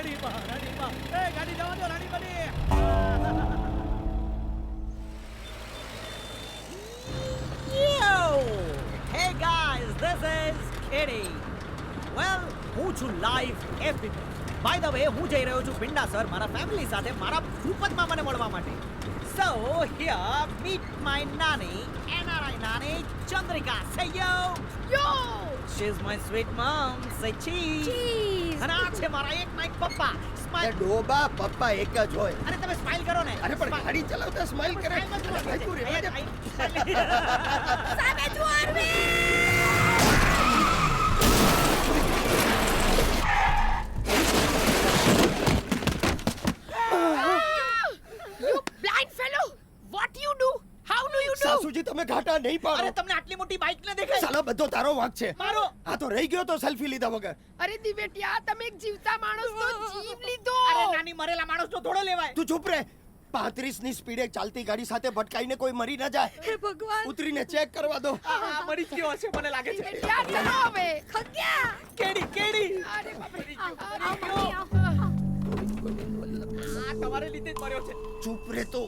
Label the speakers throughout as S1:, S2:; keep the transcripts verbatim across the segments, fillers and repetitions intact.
S1: રાણીબા રાણીબા એ ગાડી જવા દો રાણીબાની.
S2: Yo! Hey guys, this is Kitty. Well, હું છું live epic. By the way હું જઈ રહ્યો છું પિંડાસર મારા ફેમિલી સાથે મારા ભૂપતમાં મને મળવા માટે. So here meet my nanny, N R I nanny Chandrika. Say yo.
S3: Yo!
S2: She's my sweet mom. Say cheese.
S3: Cheese.
S2: અને આ છે મારા એક નાઈક પપ્પા.
S4: એ
S2: સ્માઈલ.
S4: ડોબા પપ્પા એક જ હોય.
S2: અરે તમે સ્માઈલ કરો ને.
S4: અરે પણ ગાડી ચલાવતા સ્માઈલ કરે. અરે ભાઈ તું રેવા દે.
S3: સામે જુઓ Arvind! You blind fellow! What you do? How do you do?
S4: સાસુજી તમે ઘાટા નહીં
S2: અરે
S4: પાડો.
S2: તમને આટલી મોટી બાઇક ન દેખાય.
S4: સાલા બધો તારો વાંક છે.
S2: મારો.
S4: આ તો રહી ગયો તો સેલ્ફી લીધા વગર.
S3: અરે દિવેટિયા, તમે એક જીવતા માણસનો જીવ લીધો.
S2: અરે નાની મરેલા માણસનો થોડો લેવાય.
S4: તું ચૂપ રે. પાંત્રીસ ની સ્પીડે ચાલતી ગાડી સાથે ભટકાઈને કોઈ મરી ન જાય.
S3: હે ભગવાન!
S4: ઉતરીને ચેક કરવા દો.
S2: આ મરી જ ગયો હશે મને લાગે છે.
S3: દિવેટિયા, ચલો હવે. ખગ્યા!
S2: કેડી કેડી.
S3: અરે બાપરે.
S2: આ તમારે લીધે જ મર્યો છે.
S4: ચૂપ રે તું.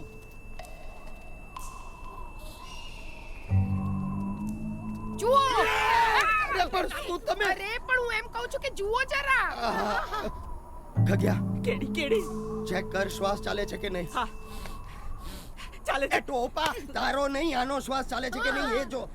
S3: જુઓ!
S4: અરે પણ શું તમે?
S3: અરે પણ હું એમ કહું છું કે જુઓ જરા.
S4: આહા. ખગ્યા
S2: કેડી કેડી.
S4: ચેક કર શ્વાસ ચાલે છે કે નહીં.
S2: હા. ચાલે
S4: એ
S2: છે.
S4: ટોપા તારો નહીં આનો શ્વાસ ચાલે છે કે નહીં એ જો.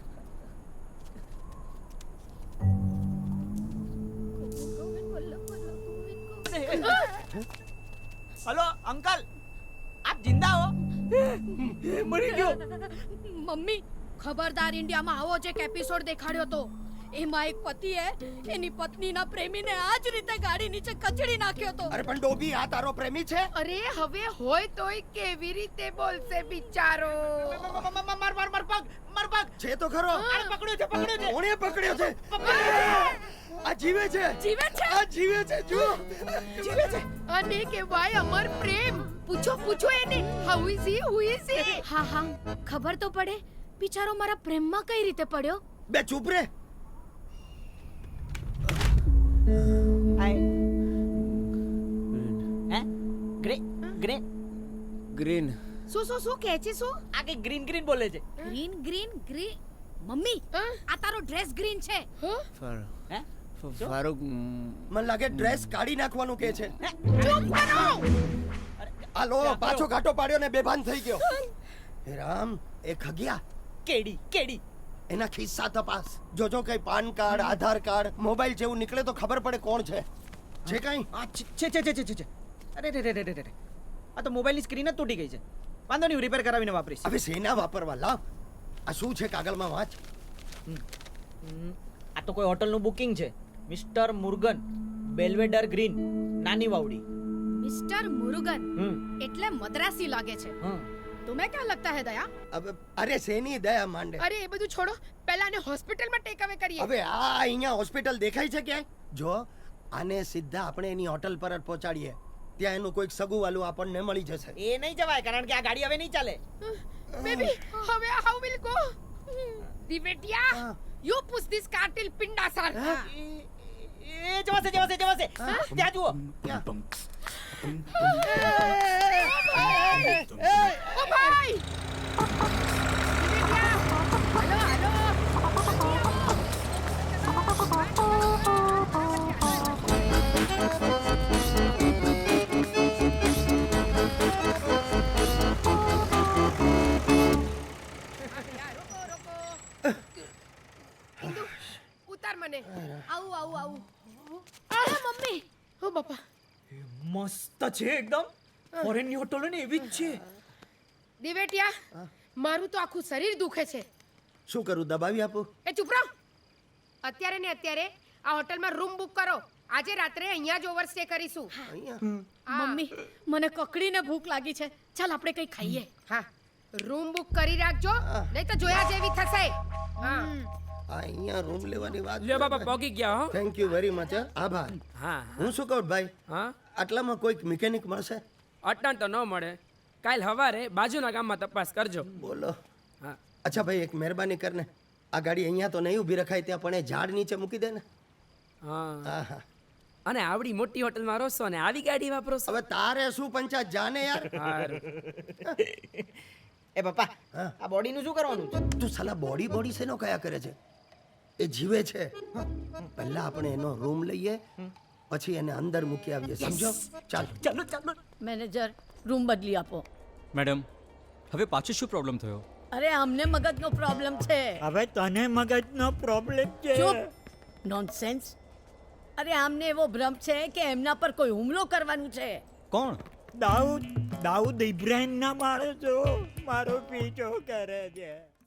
S2: હેલો અંકલ, આપ જિંદા હો? મરી ગયો.
S5: મમ્મી, ખબરદાર, ઇન્ડિયામાં આવો જ એક એપિસોડ દેખાડ્યો તો. એમાં એક પતિએ એની પત્નીના પ્રેમીને આ જ રીતે ગાડી નીચે કચડી નાખ્યો તો.
S4: અરે પણ ડોબી આ તારો પ્રેમી છે.
S3: અરે હવે હોય તોય કેવી રીતે બોલશે બિચારો?
S2: માર માર માર પગ, માર પગ.
S4: છે તો ખરો.
S2: અરે પકડ્યો છે, પકડ્યો છે.
S4: કોણે પકડ્યો છે? આ જીવે છે.
S5: જીવે છે?
S4: આ જીવે છે જો.
S2: જીવે છે.
S3: અને કહેવાય અમર પ્રેમ. પૂછો પૂછો એને. How is he? Who is he?
S5: હા હા, ખબર તો પડે. બિચારો મારા પ્રેમમાં કઈ રીતે પડ્યો?
S4: બે ચૂપ રે.
S2: Hi. Hey? Grey grey
S4: green.
S3: શું શું શું કહે છે? શું?
S2: આ કે ગ્રીન ગ્રીન બોલે છે.
S5: Green green green. મમ્મી,
S3: હા?
S5: આ તારો ડ્રેસ ગ્રીન છે.
S2: હે?
S4: ફારૂક મને લાગે ડ્રેસ કાઢી નાખવાનું કે છે.
S3: ચૂપ કરો!
S4: આલો પાછો ઘાટો પાડ્યો ને બેભાન થઈ ગયો. હે રામ, એ ખગ્યા
S2: કેડી કેડી.
S4: એના ખિસ્સા તપાસ. જોજો કઈ PAN card, Aadhaar card, mobile જેવું નીકળે તો ખબર પડે કોણ છે. છે કઈ?
S2: આ છે છે છે છે છે છે. અરે રે રે રે રે રે. આ તો મોબાઈલની સ્ક્રીન જ તૂટી ગઈ છે. વાંધો નહીં, રિપેર કરાવીને વાપરીશ.
S4: હવે સેના વાપરવા લાવ. આ શું છે કાગળમાં વાંચ.
S2: આ તો કોઈ હોટલનું બુકિંગ છે. મિસ્ટર મુર્ગન, બેલ્વેડર ગ્રીન, નાની વાવડી.
S5: મિસ્ટર મુરુગન
S2: હમ
S5: એટલે મદ્રાસી લાગે છે.
S2: હમ.
S5: तुम्हें क्या लगता है दया?
S4: હવે અરે સેની દયા માંડે.
S3: અરે એ બધું છોડો, પહેલા આને હોસ્પિટલમાં ટેક અવે કરીએ.
S4: હવે આ અહીંયા હોસ્પિટલ દેખાય છે ક્યાંય? જો આને સીધા આપણે એની હોટલ પર જ પહોંચાડીએ. ત્યાં એનું કોઈક સગું વાલું આપણને મળી જશે.
S2: એ નહીં જવાય કારણ કે આ ગાડી હવે નહીં ચાલે.
S3: બેબી, હવે હાઉ વિલ ગો? દિવેટિયા,
S4: હા.
S3: You push this car till Pindasar.
S2: એ એ જવાશે જવાશે જવાશે. ત્યાં જુઓ.
S4: ક્યાં?
S3: ઓ ભાઈ! દિવેટિયા, હાલો હાલો. રોકો રોકો. ઇન્દુ, ઉતાર મને.
S5: આવું આવું આવું. અરે મમ્મી,
S3: ઓ બાપા.
S2: મસ્ત છે એકદમ. ફોરેનની હોટલ ને એવી જ છે.
S3: દિવેટિયા, મારું તો આખું શરીર દુખે છે.
S4: શું કરું, દબાવી આપું?
S3: એ ચૂપ રહો. અત્યારે ને અત્યારે આ હોટલમાં રૂમ બુક કરો. આજે રાત્રે અહીંયા જ ઓવરસ્ટે કરીશું.
S4: અહીંયા
S3: હા.
S5: મમ્મી, મને કકડીને ભૂખ લાગી છે. ચાલ આપણે કંઈ ખાઈએ.
S3: હા, રૂમ બુક કરી રાખજો, નહીં તો જોયા જેવી થશે. હા.
S4: આ અહીંયા રૂમ લેવાની વાત.
S6: લ્યો બાપા પોગી ગયા હો.
S4: Thank you very much. આભાર.
S6: હા
S4: હું શું કહું ભાઈ,
S6: હા,
S4: આટલામાં કોઈક મિકેનિક મળશે?
S6: અટાણ તો ન મળે. કાલ હવારે બાજુના ગામમાં તપાસ કરજો.
S4: બોલો.
S6: હા,
S4: અચ્છા ભાઈ, એક મહેરબાની કરને. આ ગાડી અહીંયા તો નહીં ઊભી રખાય, ત્યાં પણ એ ઝાડ નીચે મૂકી દે ને.
S6: હા,
S4: હા હા.
S6: અને આવડી મોટી હોટલમાં રોસો અને આવી ગાડી વાપરો છો
S4: હવે તારે શું પંચાયત જાને યાર
S6: હારું.
S2: એ પપ્પા
S4: હા.
S2: આ બોડીનું શું કરવાનું છે
S4: તું સાલા બોડી બોડી શેનો કયા કરે છે એ જીવે છે પહેલા આપણે એનો રૂમ લઈએ પછી એને અંદર મૂકી આવીએ સમજો ચાલ
S2: ચાલો ચાલો
S5: મેનેજર રૂમ બદલી આપો
S7: મેડમ હવે પાછો શું પ્રોબ્લેમ થયો?
S5: અરે અમને મગજનો પ્રોબ્લેમ છે
S8: હવે તને મગજનો પ્રોબ્લેમ છે
S5: ચૂપ નોનસેન્સ અરે આમને એવો ભ્રમ છે કે એમના પર કોઈ હુમલો કરવાનું છે
S7: કોણ?
S8: દાઉદ દાઉદ ઇબ્રાહિમ ના માણસો મારો પીછો કરે છે.